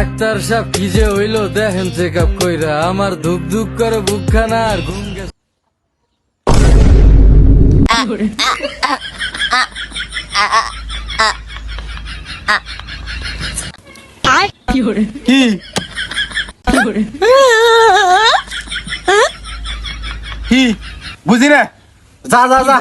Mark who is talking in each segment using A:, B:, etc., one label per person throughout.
A: Doctor সাহেব কি যে হইলো দেখেন চেক আপ কইরা আমার ধুক ধুক করে বুকখানা আর ঘুম গেছে।
B: কি কি বুঝি না, যা যা যা।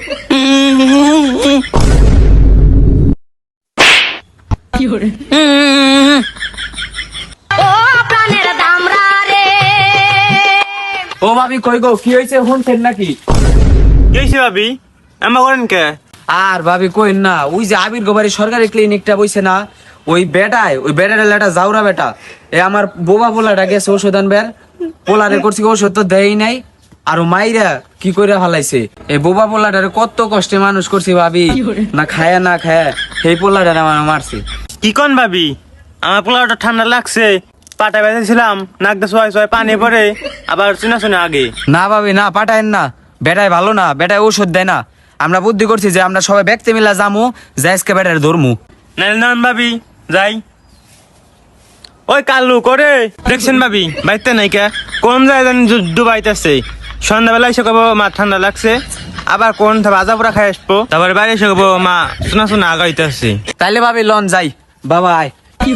C: ও ভাবি কই গো, কি হয়েছে শুনছেন নাকি?
D: কি হয়েছে ভাবি? এমন করেন কে?
C: আর ভাবি কইন না, ওই যে আবির গোবারি সরকারি ক্লিনিকটা বইছে না, ওই বেটার লেটা যাওরা বেটা এ আমার বোবা পোলাটা গেছে ওষুধ আনবার, পোলারে করছি ওষুধ তো দেই নাই, আর মাইরা কি করে ফালাইছে এই বোবা পোলাটারে কত কষ্টে মানুষ করছি ভাবি, না খায়া সেই পোলাটারে আমার মারছে।
D: কি কন ভাবি? আমার পোলাওটা ঠান্ডা লাগছে, পাটা বেঁধেছিলাম, নাক দিয়ে সোয়াই সোয়াই পানি পড়ে, আবার চিনা শুনে আগে।
C: না ভাবি না, পাঠায়েন না, বেটায় ভালো না, বেটায় ওষুধ দেয় না। আমরা বুদ্ধি করছি যে আমরা সবাই ব্যক্তি মিলা যামু, যাইসকে বেটার ধরমু।
D: নাইলে নন ভাবি, যাই। ওই কাল্লু করে দেখছেন ভাবি, বাইতে নাই কে? কোন যায় জানি ডুবাইতেছে। সন্ধ্যাবেলা এসে কব মা ঠান্ডা লাগছে, আবার কোন ভাজা পোড়া খাই আসবো, তারপরে বাইরে এসে কব মা শোনা আগাইতেছে।
C: তাইলে ভাবি লন যাই, বাবা আয়।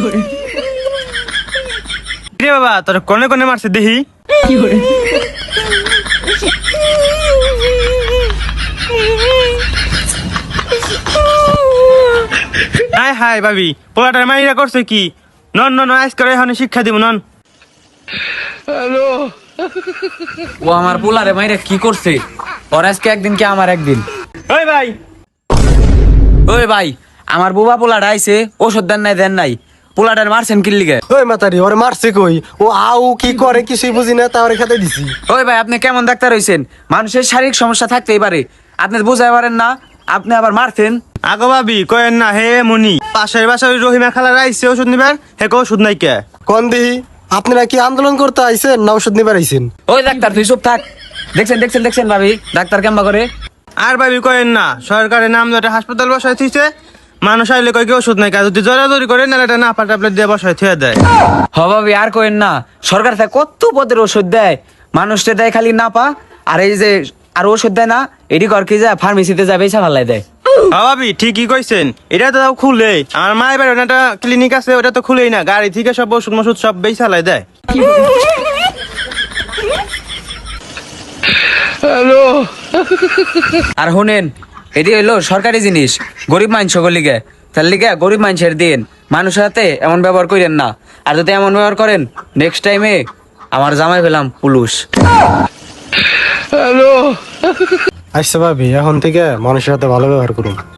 D: রে বাবা, তোর কোনে কোনে মারছে দেখি। হাই হাই ভাবি, পোলাটার মাইরা করছে কি? নন নন আইস করে এখন শিক্ষা দিব নন।
C: ও আমার পোলারে মাইরে কি করছে? ওর আজকে একদিন কি আমার একদিন।
D: ওই ভাই,
C: ওই ভাই, আমার বুবা পোলাটা আইছে, ওষুধ দেন নাই, পোলাটার মারছেন কি লিগে?
B: ওই মাতারি ওরে মারছে কই? ও আউ কি করে কিছুই বুঝি না, তাহলে খেতে দিছি।
C: ওই ভাই, আপনি কেমন ডাক্তার হইছেন? মানুষের শারীরিক সমস্যা থাকতেই পারে, আপনি বুঝাই পারেন না, আপনি আবার মারছেন।
D: আগো ভাবি কয়েন না, হে মনি পাশের বাসার রহিমা খালার আইছে ওষুধ নিবার, হে কো ওষুধ নাই কে?
B: কোন দিহি? আপনারা কি আন্দোলন করতে আইছেন না ওষুধ নিবার আইছেন?
C: ওই ডাক্তার তুই চুপ থাক। দেখছেন ভাবি, ডাক্তার কেমবা করে?
D: আর ভাবি কয়েন না, সরকারের নাম ধরে হাসপাতাল বসাই থিছে, মানুষ আইলে কয় কি ওষুধ নাই কে? যদি জোরাজোরি করে নাহলে এটা না ট্যাবলেট দিয়ে বসাই থিয়ে দেয়।
C: হ ভাবি, আর কইেন না, সরকার থেকে কত পদের ওষুধ দেয়, মানুষটা দেয় খালি না পা, আর এই যে আর ওষুধ দেয় না, এটি কর কি যায় ফার্মেসিতে যাবে এসে ভালাই দেয়।
D: ভাবি ঠিকই কইছেন, এটা তো খুলে আমার মায়ের বাড়ি একটা ক্লিনিক আছে, ওটা তো খুলেই না, গাড়ি থেকে সব ওষুধ মশুদ সব বেই চালাই দেয়।
C: আর শুনেন, এটি হইলো সরকারি জিনিস, গরিব মানুষ লিগে, তার লিগে গরিব মানুষের দিন, মানুষের হাতে এমন ব্যবহার করেন না, আর যদি এমন ব্যবহার করেন নেক্সট টাইমে আমার জামাই পেলাম পুলুশ।
B: আচ্ছা ভাবি, এখন থেকে মানুষের সাথে ভালো ব্যবহার করুন।